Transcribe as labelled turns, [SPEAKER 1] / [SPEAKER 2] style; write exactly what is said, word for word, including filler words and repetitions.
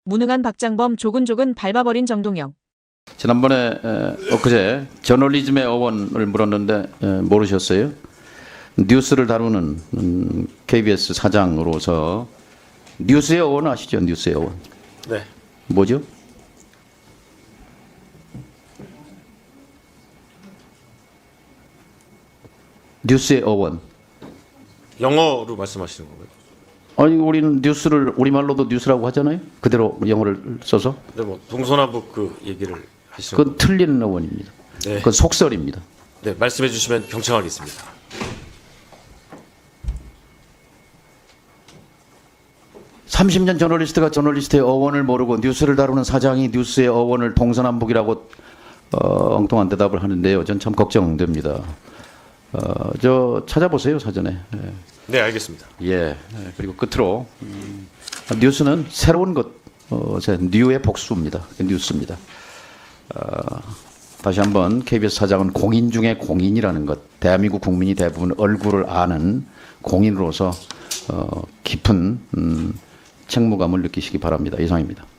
[SPEAKER 1] 무능한 박장범 조근조근 밟아버린 정동영.
[SPEAKER 2] 지난번에 에, 엊그제 저널리즘의 어원을 물었는데 에, 모르셨어요? 뉴스를 다루는 음, 케이비에스 사장으로서 뉴스의 어원 아시죠? 뉴스의 어원.
[SPEAKER 3] 네.
[SPEAKER 2] 뭐죠? 뉴스의 어원.
[SPEAKER 3] 영어로 말씀하시는 건가요?
[SPEAKER 2] 아니 우리는 뉴스를 우리말로도 뉴스라고 하잖아요. 그대로 영어를 써서.
[SPEAKER 3] 네, 뭐 동서남북 그 얘기를 하시는
[SPEAKER 2] 그건
[SPEAKER 3] 건.
[SPEAKER 2] 틀린 어원입니다.
[SPEAKER 3] 네.
[SPEAKER 2] 그건 속설입니다.
[SPEAKER 3] 네, 말씀해 주시면 경청하겠습니다.
[SPEAKER 2] 삼십 년 저널리스트가 저널리스트의 어원을 모르고 뉴스를 다루는 사장이 뉴스의 어원을 동서남북이라고 어, 엉뚱한 대답을 하는데요. 전 참 걱정됩니다. 어, 저 찾아보세요 사전에. 예.
[SPEAKER 3] 네, 알겠습니다.
[SPEAKER 2] 예. 예. 그리고 끝으로 음, 뉴스는 새로운 것, 어, 제 뉴의 복수입니다. 뉴스입니다. 어, 다시 한번 케이비에스 사장은 공인 중에 공인이라는 것, 대한민국 국민이 대부분 얼굴을 아는 공인으로서 어, 깊은 음, 책무감을 느끼시기 바랍니다. 이상입니다.